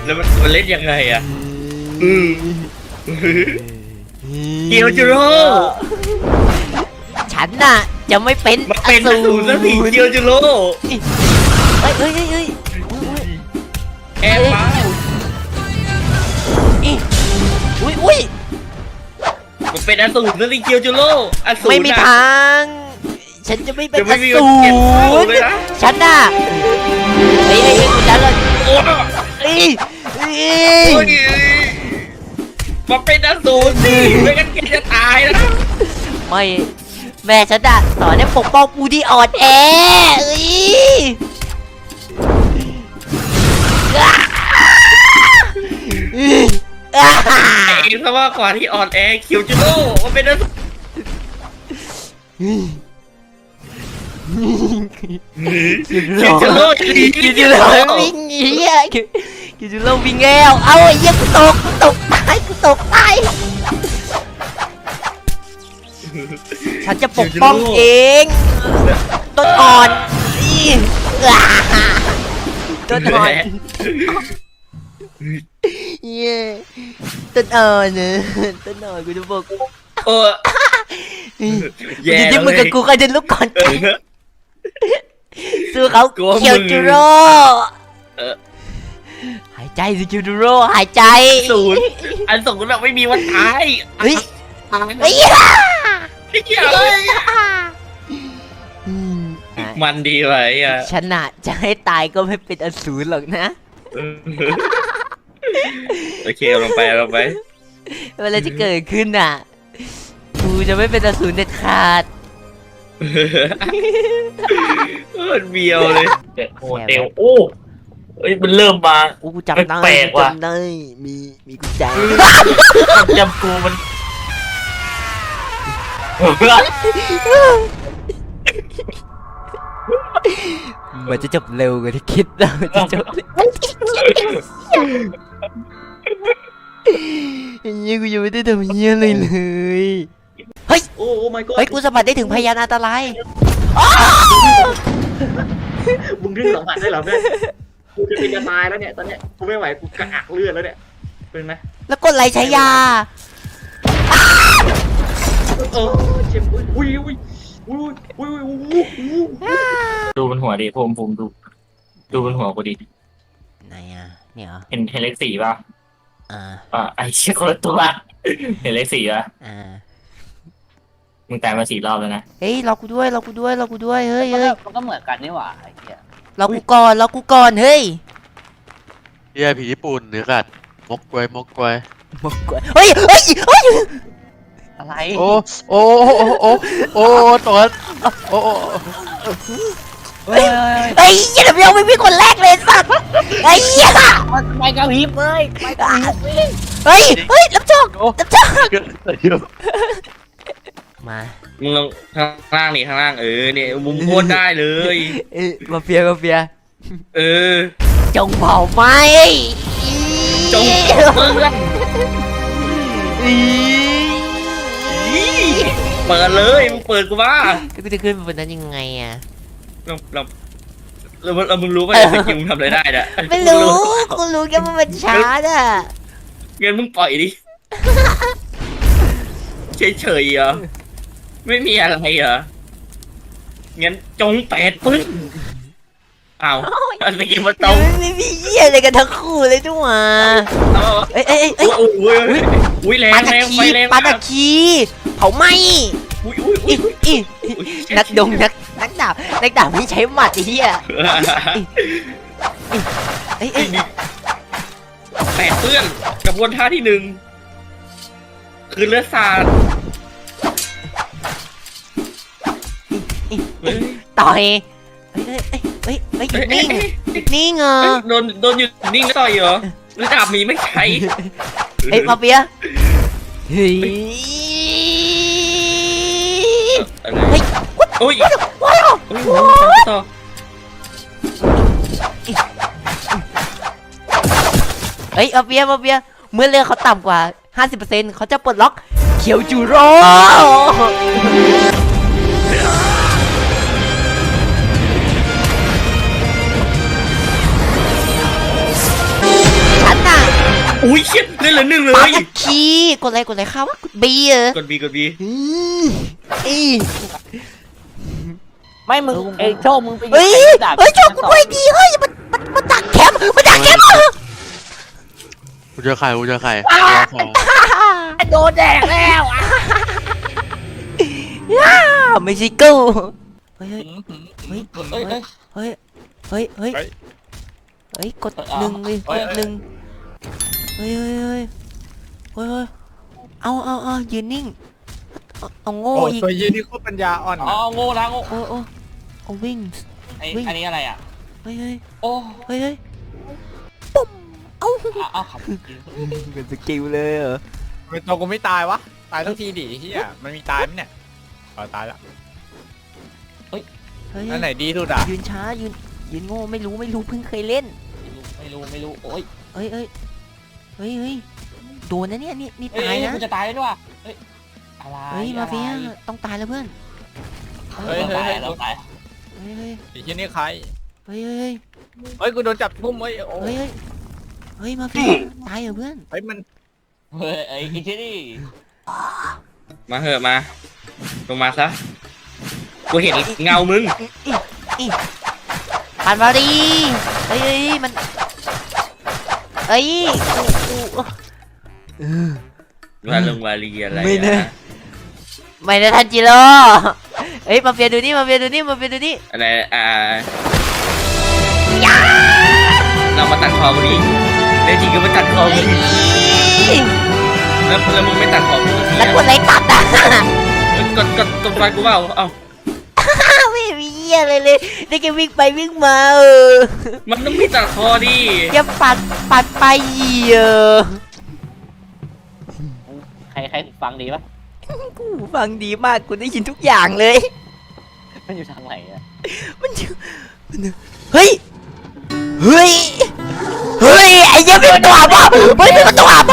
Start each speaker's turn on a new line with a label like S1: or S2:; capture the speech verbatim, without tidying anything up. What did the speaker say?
S1: แล้วมันมันเล่นยังไงอ่ะอืมเกียวจูโร่
S2: ฉันน่ะจะไม่เป็น
S1: มันเป็นอสูรสักทีเกียวจูโร่
S2: เฮ้ยเฮ้ยเฮ้ย
S1: แอบมา
S2: อุ้ยอุ้ย
S1: มันเป็นอสูรสักทีเกียวจูโร่อสูร
S2: ไม่มีทางฉันจะไม่เป็นอสูรฉันน่ะเฮ้ยเฮ้ยกูจะเลยเฮ้ยเฮ้ย
S1: มาเป็นอสูรสิไม่งั้นแกจะตายนะ
S2: ไม่แม่ฉันอะสอนให้ปกป้องผู้ที่อ่อนแอเอ้ย
S1: เองซะว่าก่อนที่อ่อนแอเกียวจูโร่มาเป็นอสูรเกียวจูโร่เกียวจูโร่
S2: วิ่งเหี้ยเกียวจูโร่วิ่งแล้วเอาไอ้เหี้ยกูตกกูตกตายกูตกตายฉันจะปกป้องเองต้นอ่อนต้นอ่อนเย้ต้นอ่อนเนอะต้นอ่อนกูจะบอก
S1: โอ้
S2: แย่ที่มึงกับกูก็จะลุกก่อนสู้เขาเคียวจูโร่หายใจสิเคียวจูโร่หายใจ
S1: ศูนย์อันศูนย์แบบไม่มีวันตาย
S2: เฮ้ยเฮ้ย
S1: มันดีไว้อะ
S2: ชนะจะให้ตายก็ไม่เป็นอสูรหรอกนะ
S1: โอเคลงไปลงไป
S2: เวลาจะเกิดขึ้นอ่ะกูจะไม่เป็นอสูรเด็ดขาด
S1: มันเบียวเลยโอ้เดวโอ้เอ้ยมันเริ่มมา
S2: กูจำได้จำได้มีมีกุญแจ
S1: จำกูมัน
S2: มันจะจบเร็วกว่าที่คิดนะมันจะจบยังกูยังไม่ได้ทำเงี้ยเลยเลยเฮ้ย
S1: โอ้โอ้ my god
S2: เฮ้ยกูสัมผัสได้ถึงพยานอันตราย
S1: มึงดึงสัมผัสได้หรอเนี่ยกูจะเป็นจะตายแล้วเนี่ยตอนเนี้ยกูไม่ไหวกูกระอักเลือดแล้วเนี่ยเป็นไหม
S2: แล้วกดไหลใช้ยา
S1: เออเจ็บอุ้ยอุ้ยอุ้ยอุ้ยอุ้ยอุ้ยดูบนหัวดิผมผมดูดูบนหัวกูดิ
S2: ไหนอ่ะเนี่ย
S1: เห็นเห็นเลขสี่ป่ะ
S2: อ่า
S1: อ่าไอเชี่ยคนละตัวเห็นเลขสี่ป่ะ
S2: อ่า
S1: มึงตายมาสี่รอบแล้วนะ
S2: เฮ้ยเรากูด้วยเรากูด้วยเรากูด้วยเฮ้ยเฮ้ย
S3: มันก็เหมือนกันนี่หว่าไอ้เหี้ย
S2: เรากูก่อนเรากูก่อนเฮ้ย
S4: เฮียผีญี่ปุ่นเนื้อกัดมกกวยมกกวย
S2: มกกวยเฮ้ยเฮ้ยเฮ้ย
S3: อะไร
S4: โอ้โอ้โอ้โอ้โอ้ตัวโอ้
S2: เฮ้ยเฮ้ยอย่าเดี๋ยวไม่มีคนแรกเลยสัตว์ไอ้เหี้ย
S3: ไปกระพริบเลยไปกระพริบ
S2: เฮ้ยเฮ้ยรับโชครับโชคมา
S1: มึงลงข้างล่างนี่ข้างล่างเออเนี่ยมุมโคตรได้เลย
S2: เออมาเฟียมาเฟีย
S1: เออ
S2: จงเผาไหม
S1: จงเปิดเปิดเลยมึงเปิดกูว่า
S2: กูจะขึ้นบนนั้นยังไงอ่ะ
S1: เราเราเราเรามึงรู้ไหมสกิลมึงทำอะไรได้เนี่ย
S2: ไม่รู้กูรู้แค่ว่ามันช้าอ่ะ
S1: งั้นมึงปล่อยดิเฉยเฉยเหรอไม่มีอะไรเหรองั้นจงแปดปึ๊บอ้าวอะไรกินมาตรง
S2: ไม่มีเหี้ยอะไรกันทั้งคู่เลยด้วยว่ะเอ้ยเอ้ยเอ้ย
S1: อุ้ยอุ้ยแรงแรงไฟแรง
S2: ปาตะคีเผาไหม
S1: อุ้ยอุ้ยอุ้ย
S2: นักดงนักนักดาบนักดาบไม่ใช้หมัดเหี้ยเอ้ยเอ้ย
S1: แปดเปื้อนกระบวนท่าที่หนึ่งคือเลือดสาด
S2: ต่อยเฮ้ยเฮ้ยเฮ้ยเฮ้ยหยุดนิ่งหยุดนิ่งเหรอ
S1: โดนโดนหยุดนิ่งแล้วต่อยเหรอหรือดาบมีไม่ใช่
S2: เฮ้ยมาเปียเฮ้ย
S1: เฮ้ยโอ้ย
S2: ว้าว
S1: ต่อ
S2: เฮ้ยมาเปียมาเปียเมื่อเลือดเขาต่ำกว่า ห้าสิบเปอร์เซ็นต์ เขาจะปลดล็อกเคียวจูโร่ฉัน
S1: เหลือหนึ่งเล
S2: ปาก
S1: ย
S2: กดคีกดอะไรกดอะไรข้าววะกดบีเออก
S1: ดบีกดบี
S2: อืมอี
S3: ไม่มึงเอ้ยโชคมึงไป
S2: เฮ้ย
S3: ไอ้ดาบ
S2: เฮ้ยโชคกูด้วยดีเฮ้ยมันมันมันดักแคมป์มันดักแคมป์เหรอ
S4: กูเจอใครกูเจอใคร
S3: โดนแดกแล้วอ่ะ
S2: ย่าไม่ใช่กูเฮ้ยเฮ้ย
S3: เฮ้ยเฮ้ย
S2: เฮ้ยเฮ้ยเฮ้ยเฮ้ยเฮ้ยกดหนึ่งเลยกดหนึ่งเฮ้ยเฮ้ยเฮ้ยเฮ้ยเฮ้ยเอาเอาเอายืนนิ่งเอาเอาโง่
S5: โอ้
S2: อีก
S5: ตัวยีนี่โคตรปัญญาอ่อน
S3: อ๋อ
S5: นะ
S3: โง่นะโง่
S2: โอ้โอ้เอาวิ่ง
S3: ไอ้อันนี้อะไรอ่ะ
S2: เฮ้ยเฮ้ย
S3: โอ้
S2: เฮ้ยเฮ้ยปุ๊บเอ้า
S3: เอาเอาขับ
S2: เป็นสกิลเลยเหรอ
S5: ทำไมตัวกูไม่ตายวะ ตายทั้งทีดิเฮียมันมีตายไหมเนี่ยอ๋อตายละ
S2: เฮ้ย
S5: อันไหนดีสุดอ่ะ
S2: ยืนช้ายืนยืนโง่ไม่รู้ไม่รู้เพิ่งเคยเล่น
S3: ไม่รู้ไม่รู้โอ้ย
S2: เฮ้ยเฮ้ยเฮ้ยเฮ้ยโดนนะเนี่ยนี่นี่
S3: เฮ้ย
S2: ตายนะ
S3: กูจะตายแล้วด้วยเฮ้ยอะไร
S2: เฮ้ยมาเฟียต้องตายแล้วเพื่อน
S5: เฮ้ย
S3: เรา
S5: เฮ้ย
S3: ตาย
S5: เฮ้ย
S3: เราตาย
S2: เฮ้ยเฮ้ย
S5: ไอ้เฮียนี่ใคร
S2: เฮ้ยเฮ้ย
S5: เฮ้ยกูโดนจับทุ่มเฮ้ยโอ้
S2: เฮ้ยเฮ้ยเฮ้ยมาเฟียตายเหรอเพื่อน
S5: เฮ้ยมัน
S3: เฮ้ยไอ้ไอ้เจนี่
S1: มาเหอะมาลงมาซะกูเห็นเงามึง
S2: ผ่านมาดีเฮ้ยเฮ้ยมันเฮ้ยกูกูเออ
S1: มาลงวาลีอะไร
S2: ไม่แน่
S1: อะ
S2: ไม่นะทันจิโร่เฮ้ยมาเฟียดูนี่มาเฟียดูนี่มาเฟียดูนี่
S1: อะไรอ่าเรามาตัดคอกูดิในจริงก็มาตัดคอกู
S2: เฮ้ย
S1: แล้วแล้วมึงไม่ตัดคอกูที
S2: แล้วกดอะไรตัดอ่ะ
S1: กดกดกดฟันกูเปล่าเอ้า
S2: ไม่มีเหี้ยอะไรเลยได้แค่วิ่งไปวิ่งมาเออ
S1: มันต้องมีตัดคอดิ
S2: แค่ปัดปัดไปเออ
S3: ใครใครฟังดีปะ
S2: กูฟังดีมากกูได้ยินทุกอย่างเลย
S3: มันอยู่ทางไหนอะ
S2: มันอยู่มันอยู่เฮ้ย เฮ้ย เฮ้ย ไอ้เหี้ยมีประตูอับวะเฮ้ยมีประตูอับ